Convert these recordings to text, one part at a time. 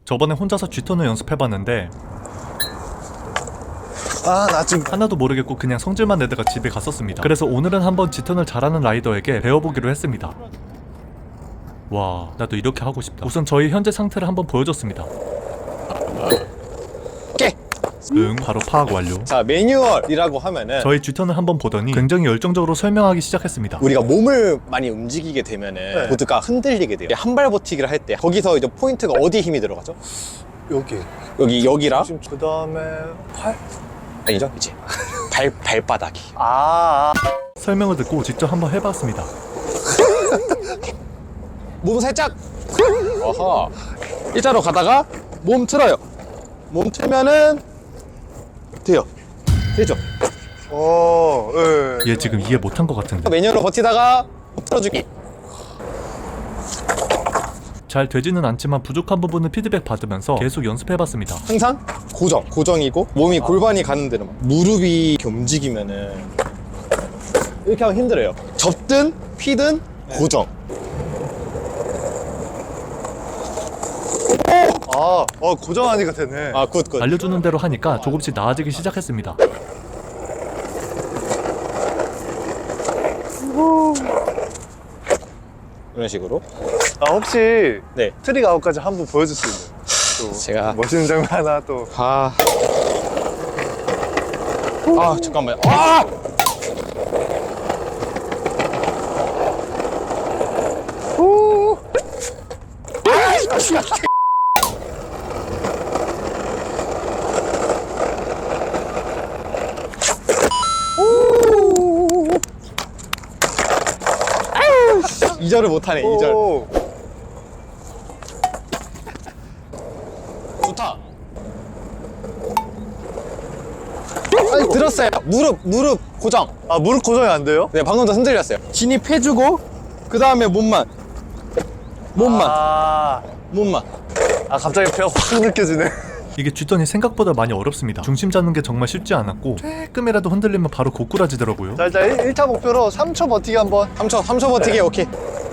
저번에 혼자서 G턴을 연습해봤는데 나 지금 하나도 모르겠고 그냥 성질만 내다가 집에 갔었습니다. 그래서 오늘은 한번 G턴을 잘하는 라이더에게 배워보기로 했습니다. 와, 나도 이렇게 하고 싶다. 우선 저희 현재 상태를 한번 보여줬습니다. 깨! 응, 바로 파악 완료. 자, 매뉴얼이라고 하면은 저희 G턴을 한번 보더니 굉장히 열정적으로 설명하기 시작했습니다. 우리가 몸을 많이 움직이게 되면은 보드가 흔들리게 돼요. 한 발 버티기를 할 때 거기서 이제 포인트가 어디에 힘이 들어가죠? 여기랑 그 다음에 팔? 아니죠? 이제 발바닥이. 설명을 듣고 직접 한번 해봤습니다. 몸 살짝 어허 일자로 가다가 몸 틀어요. 몸 틀면은 돼요. 되죠? 예. 얘 지금 이해 못한 것 같은데. 매뉴얼로 버티다가 틀어주기. 잘 되지는 않지만 부족한 부분은 피드백 받으면서 계속 연습해봤습니다. 항상 고정이고 몸이 골반이 가는 대로 무릎이 이렇게 움직이면은 이렇게 하면 힘들어요. 접든 피든 고정. 고정하니까 되네. 굿. 알려주는 대로 하니까 조금씩 나아지기 시작했습니다. 이런 식으로. 혹시 네. 트릭 아웃까지 한번 보여줄 수 있나요? 또 제가 멋있는 장면 하나 또. 잠깐만요. 이절을 못하네. 2절. 오. 좋다. 들었어요. 무릎 고정. 무릎 고정이 안 돼요? 네, 방금 도 흔들렸어요. 진입해주고 그 다음에 몸만. 갑자기 배가 확 느껴지네. 이게 G턴이 생각보다 많이 어렵습니다. 중심 잡는 게 정말 쉽지 않았고 조금이라도 흔들리면 바로 고꾸라지더라고요. 자, 일단 1차 목표로 3초 버티기 한번. 3초 버티기. 오케이.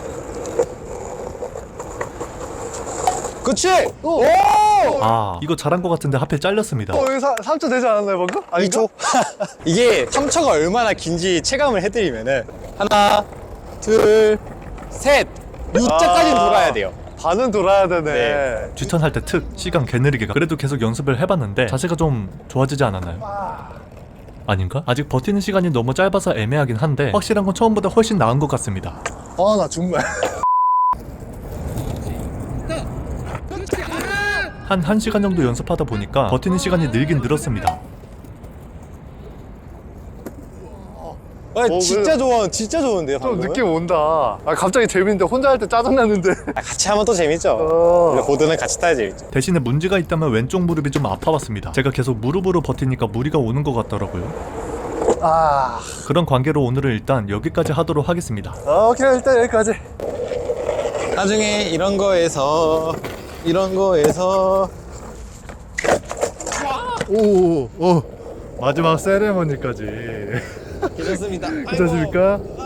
그치? 오! 이거 잘한 것 같은데 하필 잘렸습니다. 여기 3초 되지 않았나요, 방금? 2초? 이게 3초가 얼마나 긴지 체감을 해드리면은 하나, 둘, 셋! U자까지는 돌아야 돼요. 반은 돌아야 되네. 네. G턴 할 때 특 시간 개느리게 가. 그래도 계속 연습을 해봤는데 자세가 좀 좋아지지 않았나요? 아닌가? 아직 버티는 시간이 너무 짧아서 애매하긴 한데 확실한 건 처음보다 훨씬 나은 것 같습니다. 나 정말. 한 1시간 정도 연습하다 보니까 버티는 시간이 늘긴 늘었습니다. 진짜 좋은데요, 좀 방금은? 느낌 온다. 갑자기 재밌는데 혼자 할 때 짜증나는데. 같이 하면 또 재밌죠. 원래 보드는 같이 타야 재밌죠. 대신에 문제가 있다면 왼쪽 무릎이 좀 아파봤습니다. 제가 계속 무릎으로 버티니까 무리가 오는 것 같더라고요. 그런 관계로 오늘은 일단 여기까지 하도록 하겠습니다. 오케이, 일단 여기까지. 나중에 이런 거에서 마지막 세레머니까지. 괜찮습니다. 괜찮습니까?